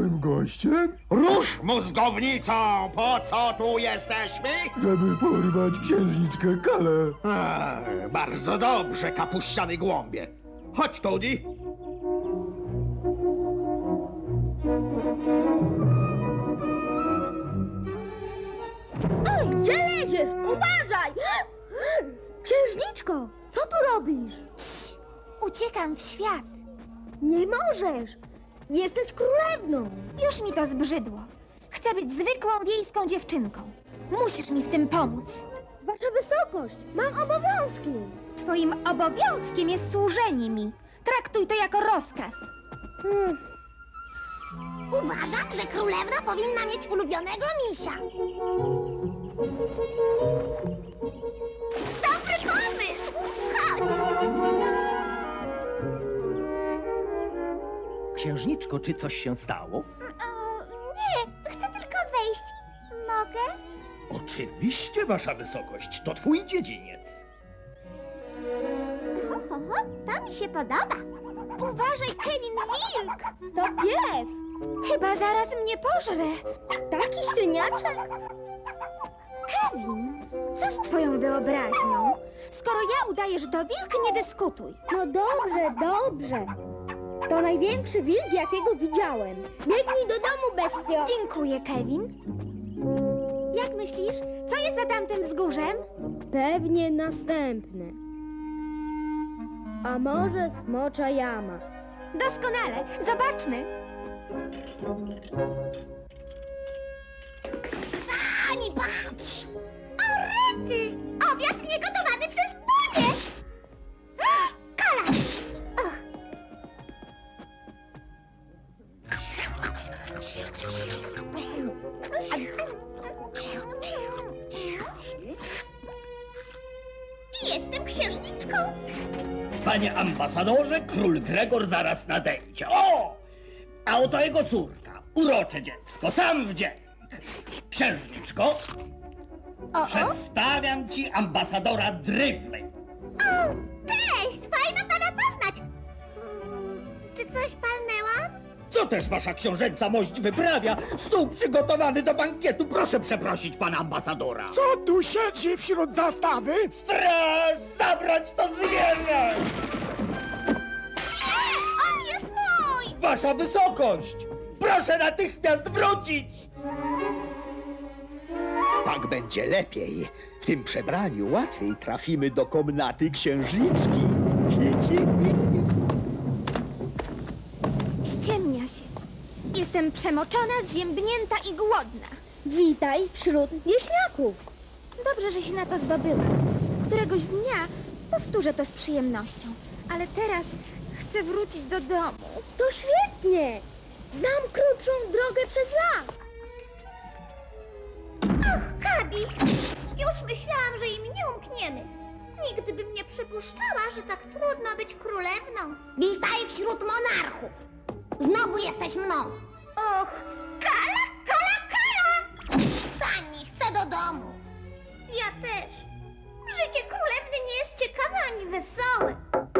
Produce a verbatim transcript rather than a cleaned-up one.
małym gościem, Rusz mózgownicą! Po co tu jesteśmy? żeby porwać księżniczkę Kalę. Eee, bardzo dobrze, kapuściany głąbie. Chodź, Tudi. Oj, gdzie leziesz? Uważaj! Księżniczko, co tu robisz? Uciekam w świat. Nie możesz! Jesteś królewną! Już mi to zbrzydło. Chcę być zwykłą wiejską dziewczynką. Musisz mi w tym pomóc. Wasza wysokość, mam obowiązki! Twoim obowiązkiem jest służenie mi. Traktuj to jako rozkaz. Hmm. Uważam, że królewna powinna mieć ulubionego misia. Dobry pomysł! Chodź! Księżniczko, czy coś się stało? O, nie, chcę tylko wejść. Mogę? Oczywiście, wasza wysokość, to twój dziedziniec. Ho, ho, ho, to mi się podoba. Uważaj, Kevin, wilk! To pies! Chyba zaraz mnie pożre. Taki szczeniaczek! Kevin, co z twoją wyobraźnią? Skoro ja udaję, że to wilk, nie dyskutuj. No dobrze, dobrze. To największy wilk, jakiego widziałem. Biegnij do domu, bestio! Dziękuję, Kevin. Jak myślisz, co jest za tamtym wzgórzem? Pewnie następny. A może smocza jama? Doskonale, zobaczmy. Ani patrz! O rety! Obiad niegotowany przez Bunię! Kala! Och. Jestem księżniczką. Panie ambasadorze, król Gregor zaraz nadejdzie. O! A oto jego córka, urocze dziecko, sam wdzięk. Księżniczko, O, o. przedstawiam ci ambasadora Drivley. O, cześć! Fajno pana poznać. Mm, czy coś palnęłam? Co też wasza książęca mość wyprawia? Stół przygotowany do bankietu. Proszę przeprosić pana ambasadora. Co tu siedzi wśród zastawy? Straż! Zabrać to zwierzę! Nie! On jest mój! Wasza wysokość! Proszę natychmiast wrócić! Tak będzie lepiej. W tym przebraniu łatwiej trafimy do komnaty księżniczki. Ściemnia się. Jestem przemoczona, zziębnięta i głodna. Witaj wśród wieśniaków! Dobrze, że się na to zdobyłam. Któregoś dnia powtórzę to z przyjemnością. Ale teraz chcę wrócić do domu. To świetnie! Znam krótszą drogę przez las! Och, Gabi! Już myślałam, że im nie umkniemy. Nigdy bym nie przypuszczała, że tak trudno być królewną. Witaj wśród monarchów! Znowu jesteś mną! Och, Kala, Kala, Kala! Sani, chcę do domu! Ja też. Życie królewny nie jest ciekawe ani wesołe.